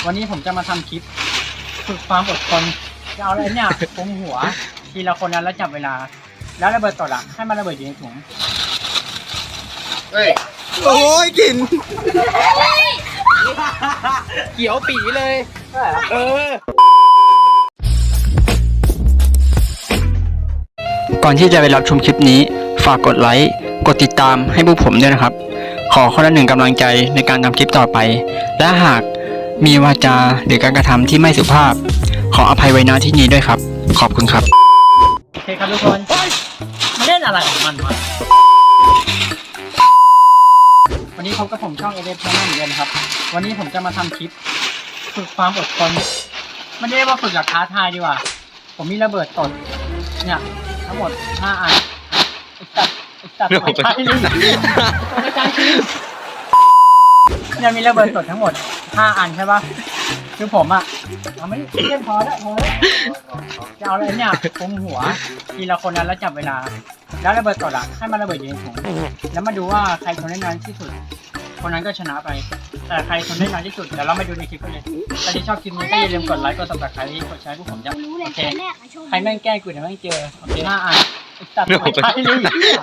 วันนี้ผมจะมาทำคลิปฝึกความอดทนจะเอาอะไรเนี่ยคุมหัวทีละคนนั้นแล้วจับเวลาแล้วระเบิดตดอ่ะให้มันระเบิดอยู่ในถุงเฮ้ยโอ้ยกลิ่นเขียวปีเลย เออก่อนที่จะไปรับชมคลิปนี้ฝากกดไลค์กดติดตามให้พวกผมด้วยนะครับขอคนละ1 กำลังใจในการทำคลิปต่อไปและหากมีวาจาหรือการกระทำที่ไม่สุภาพขออภัยไว้ณที่นี้ด้วยครับขอบคุณครับโอเคครับทุกคนมาเล่นอะไรของมันวะวันนี้พบกับผมช่อง ADF Channel เหมือนกันครับวันนี้ผมจะมาทำคลิปฝึกความอดทนไม่ได้ว่าฝึกหลักท้าทายดีกว่าผมมีระเบิดตดเนี่ยทั้งหมด5 อันไอ้สัตว์ไม่ใช่ลิงไม่ใช่ลิงเนี่ยมีระเบิดตดทั้งหมด5 อันใช่ปะคือผมอ่ะเอาไม่เล่นพอแล้วจะเอาอะไรเนี่ยคุมหัวทีละคนนั้นแล้วจับเวลาแล้วระเบิดตดอ่ะให้มันระเบิดอยู่ในถุงแล้วมาดูว่าใครทนได้นานที่สุดคนนั้นก็ชนะไปแต่ใครทนได้นานที่สุดเดี๋ยวเรามาดูในคลิปกันเลยถ้าที่ชอบคลิปนี้ก็อย่าลืมกดไลค์กด subscribe กดแชร์พวกผมจะโอเคใครแม่งแกล้งกูเดี๋ยวแม่งเจอโอเค5 อันตัดไม่ใช่ลิง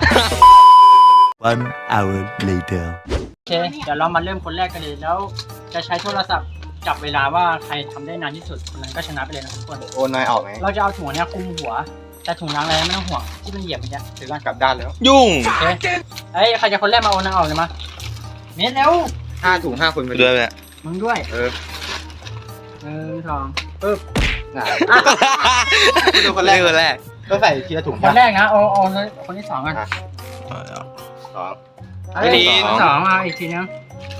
1 hour later โอเคเดี๋ยวเรามาเริ่มคนแรกกันเลยแล้วจะใช้โทรศัพท์จับเวลาว่าใครทำได้นานที่สุดคนนั้นก็ชนะไปเลยนะทุกคนโอนนายออกไหมเราจะเอาถุงเนี้ยคลุมหัวแต่ถุงล้างอะไรไม่ต้องห่วงที่มันเหยียบไปเนี่ยถือกันกลับด้านแล้วยุ่งโอเคเฮ้ยใครจะคนแรกมาเอานางออกเลยมาเม็ดเร็ว 5 ถุง 5 คนไปด้วยแหละมึงด้วยเออ 1 2ปึ๊บน่ะดูคนแรกคนแรกต้องใส่ทีละถุงคนแรกนะเอาคนที่2กันสองเฮ้ยคนที่สองเอาอีกทีนึง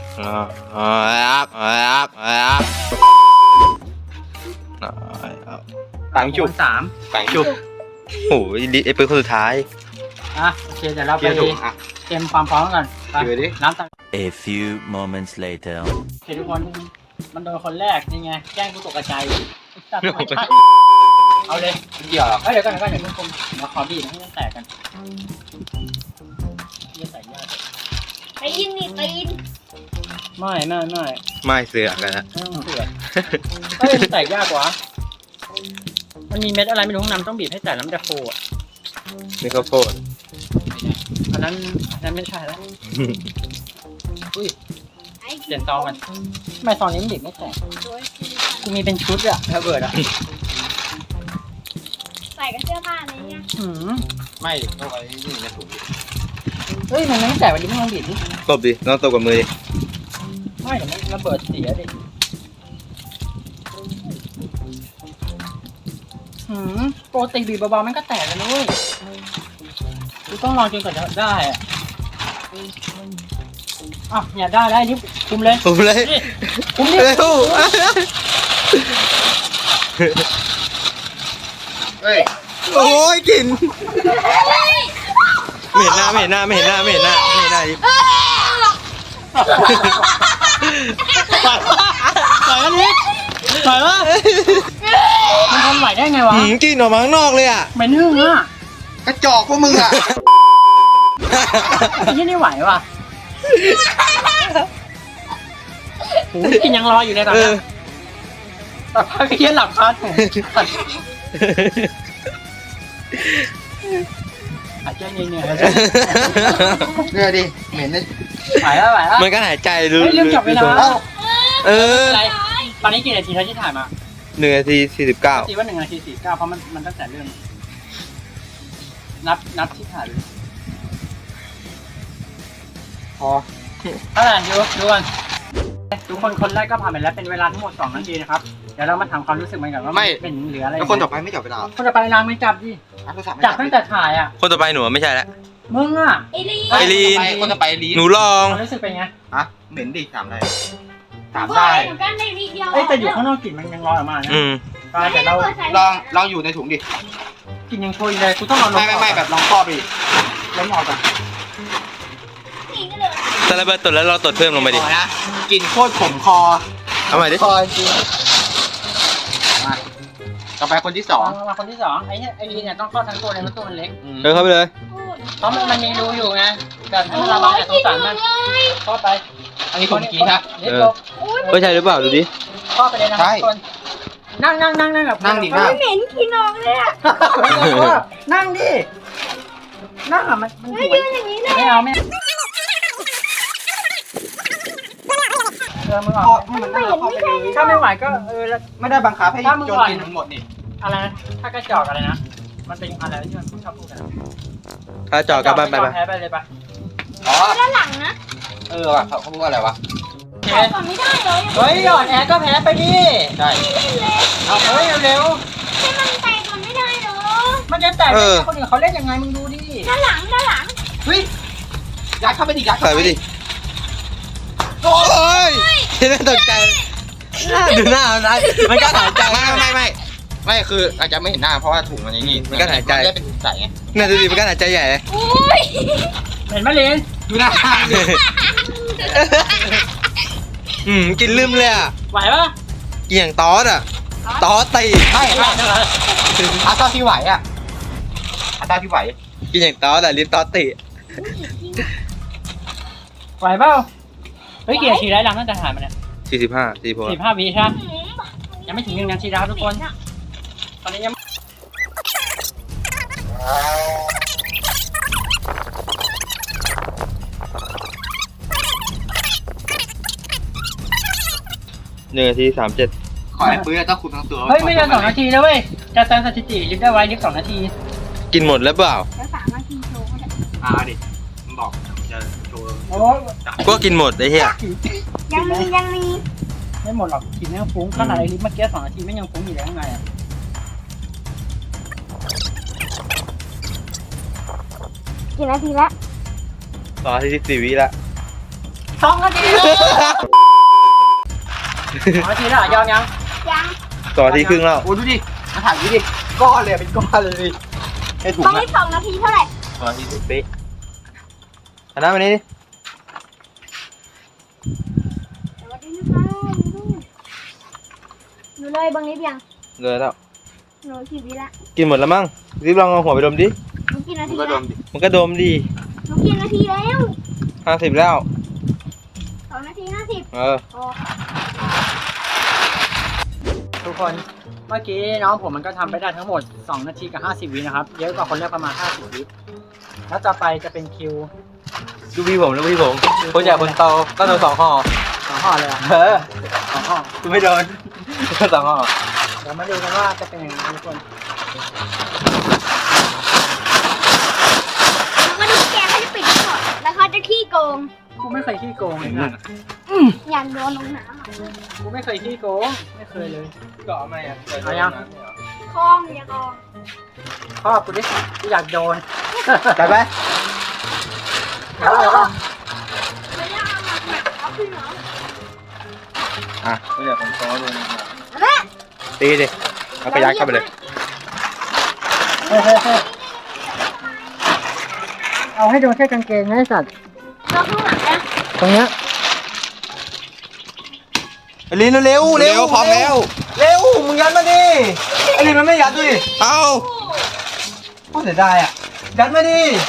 ต่างจุบคนสามต่างจุบโอ้ยไอ้ปืนคนสุดท้ายอ่ะโอเคเดี๋ยวเราทีไปละถุงอ่ะเตรียมความพร้อมกันไปถือดิน้ำตัก A few moments later โอเคทุกคนมันโดนคนแรกนี่ไงแกล้งกูตกใจเอาเลยไม่เกี่ยวหรอกเดี๋ยวก่อนเดี๋ยวคุณมาขอบีบให้มันแตกกันจะใส่ยากตีนนี่ตีนไม่ไม่เสือกกันนะไม่ต้องเสือกเฮ้ยมันแตกยากกว่ามันมีเม็ดอะไรไม่รู้ข้างในมันต้องบีบให้แตกแล้วมันจะโฟอ่ะนี่ข้าวโพดอันนั้นไม่ใช่แล้วอุ้ยไอ้เปลี่ยนซองกันทำไมซองนี้มันบีบไม่แตกกูมีเป็นชุดอะระเบิดอะใส่กับเสื้อผ้าอะไรเงี้ยไม่ต้องไว้นี่ในถุงเฮ้ยมันไม่แตกวันนี้ไม่ลองบีบดิตบดิน้องตบกับมือดิไม่เดี๋ยวมันระเบิดเสียดิปกติบีบเบาๆมันก็แตกแล้วนะเว้ยกูต้องลองจนกว่าจะได้อะอ่ะเนี่ยได้นี่คุมเลยผมเลยนี่คุมนี่เร็วเฮ้ยโอ้ยกลิ่นไม่เห็นหน้าดิปล่อยอันนี้ปล่อยวะมันทนไหวได้ไงวะกลิ่นออกมาข้างนอกเลยอ่ะเหม็นหึ่งอ่ะกระจอกพวกมึงอ่ะไอ้ยี่นี่ไหวว่ะโอ้ยกินยังรออยู่เลยตอนนี้แต่พักเยี่ยหลับคาถุงหายใจเหนื่อยเนื้อดิ เหม็นเลยไหวแล้วมันก็หายใจรู้เฮ้ยเรื่องจับเวลาเอออะไรตอนนี้กี่นาทีแล้วที่ถ่ายมา 1 นาที 49 ตีว่า1 นาที 49เพราะมันตั้งแต่เริ่มนับที่ถ่ายเลยพอเท่าไหร่ดูกันทุกคนคนแรกก็ผ่านไปแล้วเป็นเวลาทั้งหมด2 นาทีนะครับเดี๋ยวเรามาถามความรู้สึกมันก่อนว่าเป็นเหลืออะไรแล้วคนต่อไปไม่จับเวลาคนต่อไปนางไม่จับดิอ่ะโทรศัพท์ไม่จับตั้งแต่ถ่ายอ่ะคนต่อไปหนูไม่ใช่แล้วมึงอ่ะไอ้ลีไอรีนคนต่อไปลีนหนูลองความรู้สึกเป็นไงฮะเหม็นดิถามอะไรถามได้ได้เหมือนกันในวีเดียวเอ้ยแต่อยู่ข้างนอกกลิ่นมันยังลอยออกมานะ ก็เดี๋ยวเราลองอยู่ในถุงดิกลิ่นยังโชยเลยกูต้องเอาลงไม่แบบลองครอบดิล้มออกก่อนนี่ก็เลยถ้าระเบิดตดแล้วเราตดเพิ่มลงไปดิขอนะกลิ่นโคตรขมคอเอาใหม่ดิคอจริงมาต่อไปคนที่มาคนที่2ไอ้ลีเนี่ยต้องเข้าทั้งตัวเลยเพราะตัวมันเล็ก 2 เข้าไปเลยพูดเพราะมันมีรูอยู่ไงแบบให้มันระบายจากสงสารมันเข้าไปอันนี้คนเมื่อกี้ฮะเล็กลงไม่ใช่หรือเปล่าดูดิครอบไปเลยนะใช่ทุกคนนั่งแบบนั่งดิมันไม่เหม็นขี้นองเลยอ่ะนั่งดินั่งอ่ะมันไม่สวยยืนอย่างนี้เลยไม่เอาไม่มึงอพ่ออกมันนั่งเข้าไปเลยถ้าไม่ไหวก็แล้วไม่ได้บังคับให้ถ้ามึงโจก่นอนกินทั้งหมดนี่อะไรนะถ้ากระจอกอะไรนะมันเป็นอะไรที่มันชอบพูดกันถ้าจอดกลับบ้านไปไปแพ้ไปเลยปะอ๋อด้านหลังนะว่ะเขาพูดว่าอะไรวะโอเคก่อนไม่ได้เลยเฮ้ยหยอดแอร์ก็แพ้ไปดิใช่เล่นเลยเอาเฮ้ยเร็วให้มันแตกก่อนไม่ได้เหรอๆมันจะแตกได้ไงคนอื่นเขาเล่นยังไงมึงดูดิด้านหลังเฮ้ยยัดเข้าไปดิยัดเข้าใส่ไปไปดิ โอ้ยน่าตกใจดูหน้ามันมันก็หายใจไม่คืออาจจะไม่เห็นหน้าเพราะว่าถุงมันอย่างนี้มันก็หายใจมันได้เป็นถุงใสไงเนี่ยดูดิมันก็หายใจใหญ่เลยอุ้ยเห็นไหมลินดูหน้าดิกินลืมเลยอ่ะไหวปะกินอย่างตอสอ่ะตอสตีไม่อาเท่าที่ไหวอ่ะอาเท่าที่ไหวกินอย่างตอสอ่ะลิ้นตอสตีไหวเปล่าเฮ้ยกี่นาทีแล้วหลังตั้งแต่ถ่ายมาเนี่ย 45 วิใช่ไหมยังไม่ถึง1 นาทีนะครับทุกคนตอนนี้ยัง 1 นาที 37 ขอให้ปื้ต้องคุมทั้งตัวเฮ้ยไม่เกิน2 นาทีแล้วเว้ยจะเติมสถิติลิฟต์ได้ไว้ลิฟต์2 นาทีกินหมดแล้วเปล่าแล้ว3 นาทีโชว์ก็ได้ดิมันบอกจะโชว์โอ้ก็กินหมดไอ้เหี้ยยังมีไม่หมดหรอกกินไม่ฟุ้งขนาดไอ้ลิฟต์เมื่อกี้2 นาทีไม่ยังฟุ้งอยู่เลยข้างในอ่ะกี่นาทีแล้ว 2 นาที 14 วิละ 2 นาทีแล้ว2 นาทีแล้วยอมยังยัง 2 นาทีครึ่งแล้วโอ้ดูดิมาถ่ายดิก้อนเลยเป็นก้อนเลยไอ้ถุงตอนอะนี้2 นาทีเท่าไหร่ 2 นาที10 วิอันนั้นวันนี้ดิสวัสดีนะคะหนูเลยบางนิดยังเลยแล้วหนูกี่วิละกินหมดแล้วมั้งรีบลองเอาหัวไปดมดิหนูกี่นามึทีงก็ดแล้วมดิมันก็ดมดิหนูกี่นาทีแล้ว 50 แล้ว 2 นาที 50 เออโอ้ทุกคนเมื่อกี้น้องผมมันก็ทำไปได้ทั้งหมด2 นาทีกับ50 วินะครับเยอะกว่าคนแรกประมาณ50 วิแล้วต่อไปจะเป็นคิวดูพี่ผมคนใหญ่คนโตต้องโดน2 ห่อ 2 ห่อเลยอ่ะเออ 2 ห่อกูไม่โดน2 ห่อเดี๋ยวมาดูกันว่าจะเป็นยังไงทุกคนแล้วก็ดูแกเขาจะปิดก่อนแล้วเขาจะขี้โกงกูไม่เคยขี้โกงเลยนะอยากโดนลงน้ำอะกูไม่เคยขี้โกงไม่เคยเลยก็เอาไม่อะเอายังคลองอย่ากองพ่อกูดิกูอยากโดนจัดไปเอาเลยป่ะไม่ได้เอามาแบบเอาขึ้นเหรออ่ะไม่อยากผมซ้อดูนะแม่ตีดิเอาไปยัดเข้าไปเลยเฮ้ยเอาให้โดนแค่กางเกงนะไอ้สัตว์เราข้างหลังนะตรงเนี้ยลินเร็วพร้อมแล้ว เร็ว มึงยัดมาดิไอ้ลินมันไม่ยัดด้วยเอาโคตรเสียดายอ่ะยัดมาดิ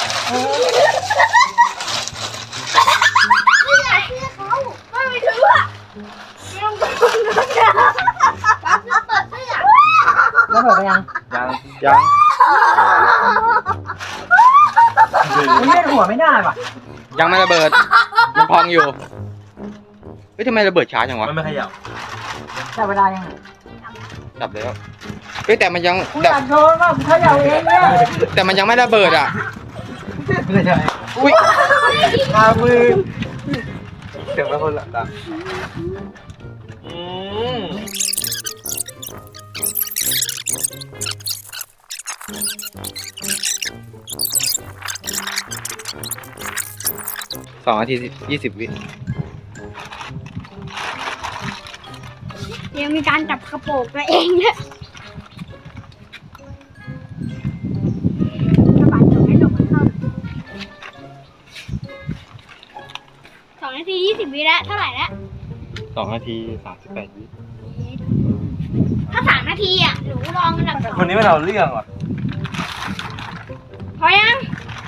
ไม่อยากเชื่อเขาไม่ถืออ่ะไม่ต้องโดนนะปั๊บแล้วเปิดเสื้อแล้วเปิดไปยังยังมันเล่นหัวไม่ได้ป่ะยังไม่ระเบิด มันพองอยู่ เฮ้ยทำไมระเบิดช้าจังวะมันไม่ขยับแต่เวลายังดับแล้ว เฮ้ยแต่มันยังกูอยากโดนว่ากูเขย่าเองเนี่ยแต่มันยังไม่ระเบิดอ่ะไม่ใช่อุ้ยตามือเสียงเป็นคนละตา 2 นาที 20 วิยังมีการจับกระโปรงตัวเองด้วยกระบาดจบให้ลงมันเข้า2 นาที 20 วิแล้วเท่าไหร่แล้ว 2 นาที 38 วิถ้า3 นาทีอ่ะหนูลองอันดับคนนี้มันเอาเรื่องว่ะ 2พอยัง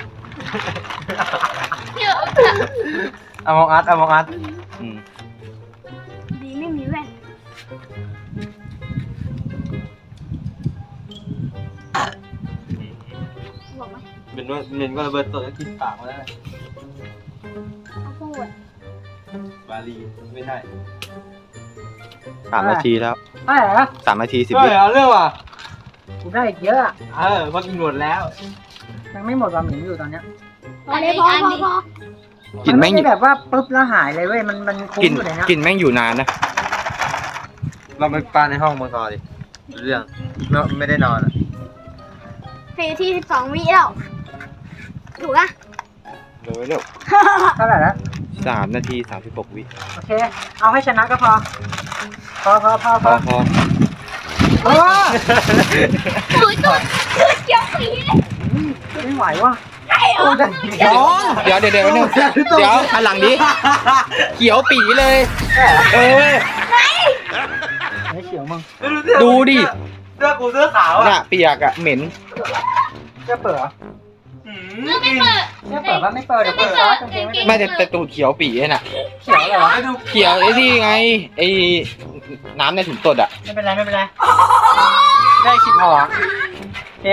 เดี๋ยวเอามองอัดดีไม่มีแว่นเหม็นก็ระเบิดตัวแล้วกินปากมาแล้วเขาพูดบาลีไม่ใช่3 นาทีแล้วได้เหรอ 3 นาที 10 วิเอาเรื่องว่ะกูได้อีกเยอะอะพอกินหมดแล้วยังไม่หมดความเหม็นอยู่ตอนเนี้ยพอเลยพอกลิ่นแม่งไม่ได้แบบว่าปุ๊บแล้วหายเลยเว้ยมันคุ้มกลิ่นอยู่เลยนะกลิ่นแม่งอยู่นานนะ เราไปปาในห้องมังกรดิเรื่องไม่ได้นอนอ่ะ 4 ที่ 12 วิแล้วถูกอะเร็วเท่าไหร่แล้ว 3 นาที 36 วิโอเค เอาให้ชนะก็พอ พอพอเออถูกจุดเกี่ยวสีเลยไม่ไหวว่ะใช่เหรอเดี๋ยวหันหลังดิเขียวปีเลยไหนไม่เขียวมึงดูดิเสื้อกูเสื้อขาวน่ะเปียกอ่ะเหม็นจะเปิดเหรอเมื่อไม่เปิดจะเปิดว่าไม่เปิดเดี๋ยวเปิดร้านกางเกงไม่ไม่ได้แต่ตูดเขียวปีน่ะเขียวเหรอเขียวไอ้ที่ไงไอ้น้ำในถุงตดอ่ะไม่เป็นไรได้คิดพอโอเค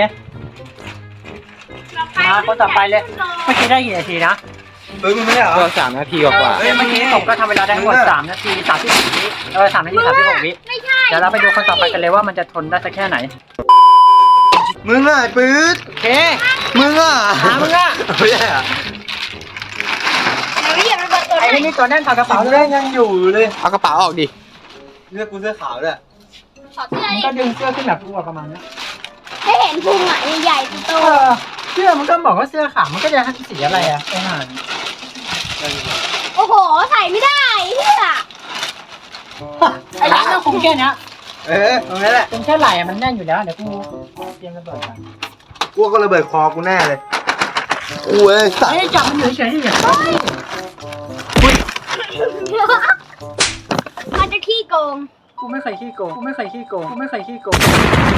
มาคนต่อไปเลยเมื่อกี้ได้กี่นาทีนะมึงไม่ได้เหรอก็3 นาทีกว่าเมื่อกี้ผมก็ทำเวลาได้ทั้งหมด3 นาที 36 วิ3 นาที 36 วิไม่ใช่เดี๋ยวเราไปดูคนต่อไปกันเลยว่ามันจะทนได้สักแค่ไหนมึงอ่ะปื๊ดโอเคมึงอ่ะมึงอ่ะไม่ใช่อ่ะเดี๋ยวเหยียบระเบิดตัวไอ้ได้นี่ตัวแน่นถอดกระเป๋าเลยยังอยู่เลยเอากระเป๋าออกดิเสื้อกูเสื้อขาวด้วยขอเสื้อมันดิก็ดึงเสื้อขึ้นแบบตัวประมาณนี้ให้เห็นพุงอ่ะใหญ่ๆโตเสื้อมันก็บอกว่าเสื้อขาวมันก็จะสีอะไรอ่ะไอ้ห่านๆโอ้โห ใส่ไม่ได้เสื้อไอ้ร้านเราคงแค่นี้ตรงนี้แหละเป็นแค่ไหล่อะมันแน่นอยู่แล้วเดี๋ยวกูเตรียมระเบิดกันกูก็ระเบิดคอกูแน่เลยกูเอ้ยสัตว์ไอ้จับมันอยู่เฉยๆดิมันจะขี้โกงกูไม่เคยขี้โกงกูไม่เคยขี้โกงกูไม่เคยขี้โกง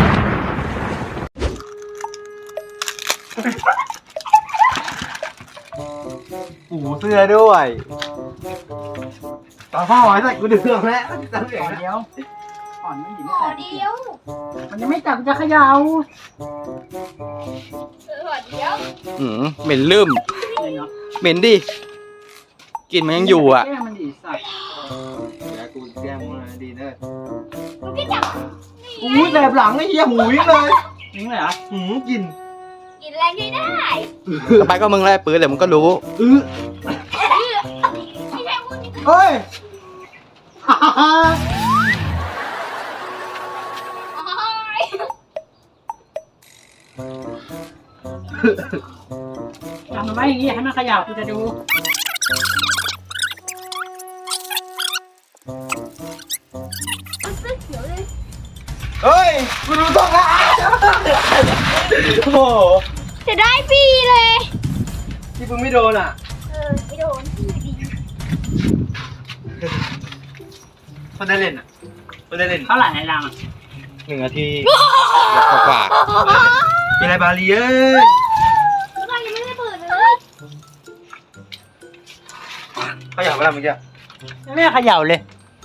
หูเสื้อด้วยต่อพ่อไว้ใส่กูเดือดแล้วตั้งเสียงก่อนนะเดียวก่อนไม่หนีขไม่อแตกเดียวมันยังไม่จับจะเขย่าขอเดียวเหม็นลืมเลยเนาะเหม็นดิกลิ่นมันยังอยู่อ่ะแก้มันดีสัตว์แล้วกูแก้มมึงดีเนอะมันก็จับหูแสบหลังไอ้เหี้ยหูวิ่งเลยจริงเลยเหรอหูกินกินแรงได้ได้ต่อไปก็มึงไล่ปื๊ดเดี๋ยวมึงก็รู้ไม่ใช่พูดนี่เฮ้ยจับมันไว้อย่างงี้ให้มันเขย่ากูจะดูมันเสื้อเขียวเลยเฮ้ยกูดูต้องละโอ้โหจะได้ปีเลยที่มึงไม่โดนอ่ะไม่โดนที่ดีคนได้เล่นอ่ะคนได้เล่นเท่าไหร่ในรังอ่ะ 1 นาทีกว่ามีอะไรบาลีเอ้ยเรายังไม่ได้เปิดเลยเขาอยากเวลาเมื่อกี้ไม่เขย่าเลย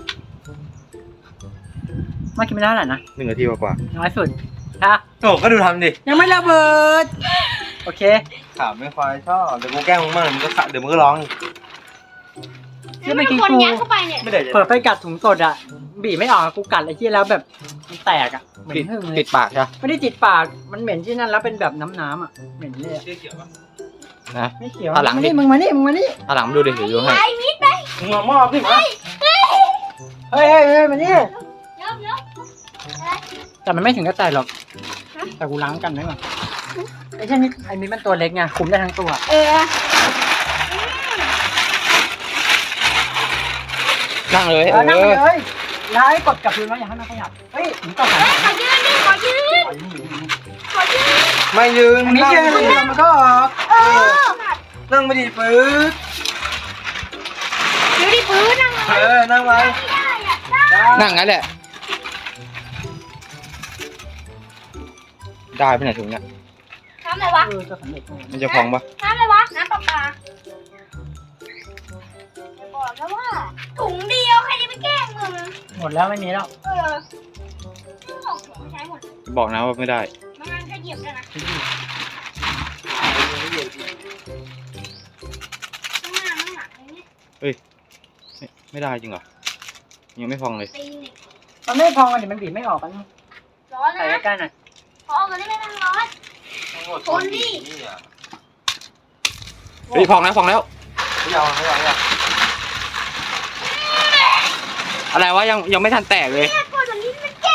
เมื่อกี้ไม่ได้เท่าไหร่นะ 1 นาทีกว่าน้อยสุดค่ะโอ้ก็ดูทำดิยังไม่ระเบิดโอเคถามไม่ค่อยชอบเดี๋ยวกูแกล้งมึงมั่งมึงก็เดี๋ยวมึงก็ร้องที่เมื่อกี้คนกูยัดเข้าไปเนี่ยไม่ได้เปิดไปกัดถุงสดอ่ะบีบไม่ออกอะกูกัดไอ้ที่แล้วแบบมันแตกอ่ะเหม็ติดนหึ่งเลติยดปากใช่ไหมไม่ได้ติดปากมันเหม็นที่นั่นแล้วเป็นแบบน้ำอ่ะเหม็นเลยอะเสื้อเขียวป่ะนะไม่เขียวเอาหลังดิมึงมานี่มึงมานี่เอาหลังมาดูดิเดี๋ยวดูให้ไอ้มิดไปมึงมามอบดิวะเฮ้ยมานี่เดี๋ยวแต่มันไม่ถึงกับแตกหรอกแต่กูล้างกันไว้ก่อนไอ้เช่นนี้ไอ้มิดมันตัวเล็กไงคุมได้ทั้งตัวนั่งเลยนั่งไปเลยแล้วให้กดกับพื้นไว้อย่าให้มันขยับเฮ้ยถึงต่อไปขอยืนดิขอยืนขอยืนไม่ยืนอันนี้เชื่อเลยมันก็ออกนั่งไม่ดีปื๊ดดูดิปืนนั่งนั่งไว้นั่งงั้นแหละ ได้ไปไหนถุงเนี่ยน้ำอะไรวะจะสำเร็จมันจะพองปะน้ำอะไรวะ น้ำปลาปลาบอกแล้วว่าถุงเดียวใครจะไปแกล้งมึงหมดแล้วไม่มีแล้วของใช้หมดบอกนะว่าไม่ได้มันก็เหยียบด้วยนะไม่เย็นข้างหน้าข้างหลังอะไรเนี่ยไม่ได้จริงเหรอยังไม่พองเลยตีหนึ่งมันไม่พองกันดิมันบีบไม่ออกกันร้อนใส่นะใกล้ๆหน่อยพอกันได้ไหมมันร้อน คนนี่เฮ้ยพองแล้วไม่เอาอะไรวะยังไม่ทันแตกเลยแค่คนแบบนี้มันแก้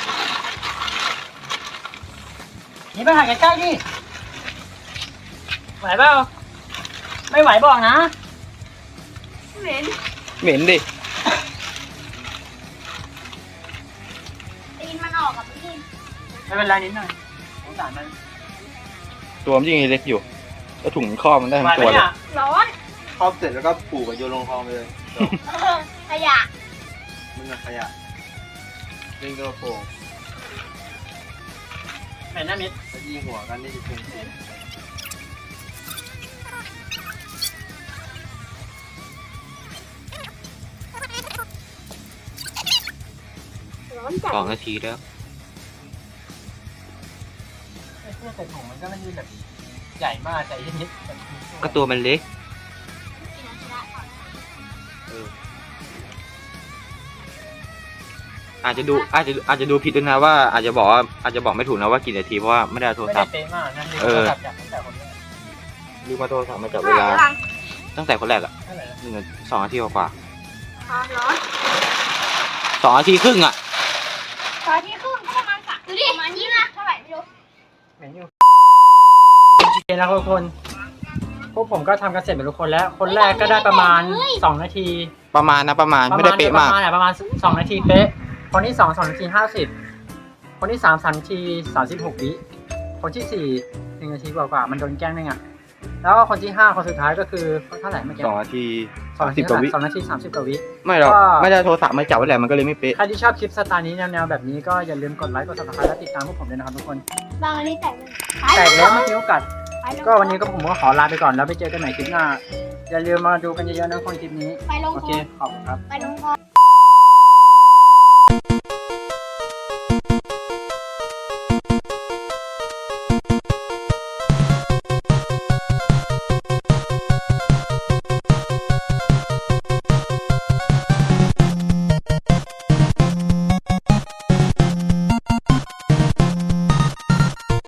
นี่ไปถ่ายใกล้ๆดิไหวเปล่าไม่ไหวบอกนะเหม็นเหม็นดิตีนมันออกกับพี่ไม่เป็นไรนิดหน่อยสงสารมันตัวมันยิ่งเล็กอยู่แล้วถุงข้อมันได้ทั้ไหวงไหมตัวเลยเนี่ยร้อนครอบเสร็จแล้วก็ผูกกับโยนลงคลองไปเลยจบขยะมึงอะขยะเล่นตัวโป่งเห็นหน้ามิดแล้วยิงหัวกันนี่จะเป็นเสียงร้อนจัด 2 นาทีแล้วไอ้เสื้อใส่ถุงมันก็ไม่ได้แบบใหญ่มากใส่นิดๆแบบก็ตัวมันเล็ก อาจจะดูผิดด้วยนะว่าอาจจะบอกไม่ถูกนะว่ากี่นาทีเพราะว่าไม่ได้เอาโทรไม่ศัได้พท์เป๊ะมากนะเออจับจากตั้งแต่คนแรกลืมมาโทรศัพท์มาจับเวเวลาลาตั้งแต่คนแรกอะเท่าไหร่นะ 2 นาทีกว่าร้อน 2 นาทีครึ่งอะตอนที่ครึ่งก็ประมาณ3ดูดิประมาณนี้นะเท่าไหร่ไม่รู้เหม็นอยู่โอเคนะทุกคนพวกผมก็ทำกันเสร็จหมดทุกคนแล้ว คนแรกก็ได้ประมาณ2 นาทีประมาณไม่ได้เป๊ะมากประมาณ2 นาทีเป๊ะ คนที่2 นาที 50 คนที่3 นาที 36 วิคนที่4 1 นาทีกว่าๆมันโดนแกล้งนึงอ่ะแล้วก็คนที่5คนสุดท้ายก็คือเท่าไหร่เมื่อกี้ 2 นาที 30 กว่าวิ 2 นาที 30 กว่าวิไม่หรอกก็ไม่ได้เอาโทรศัพท์มาจับไว้แหละมันก็เลยไม่เป๊ะใครที่ชอบคลิปสไตล์นี้แนวๆแบบนี้ก็อย่าลืมกดไลค์กด subscribe และติดตามพวกผมด้วยนะครับทุกคนบางอันนี้แตกเลยแตกแล้วเมื่อกี้โอกาสก็วันนี้ก็ผมก็ขอลาไปก่อนแล้วไปเจอกันใหม่คลิปหน้า อย่าลืมมาดูกันเยอะๆนะคนคลิปนี้ไปลงโอคเคอขอบคุณครับไปลงคอ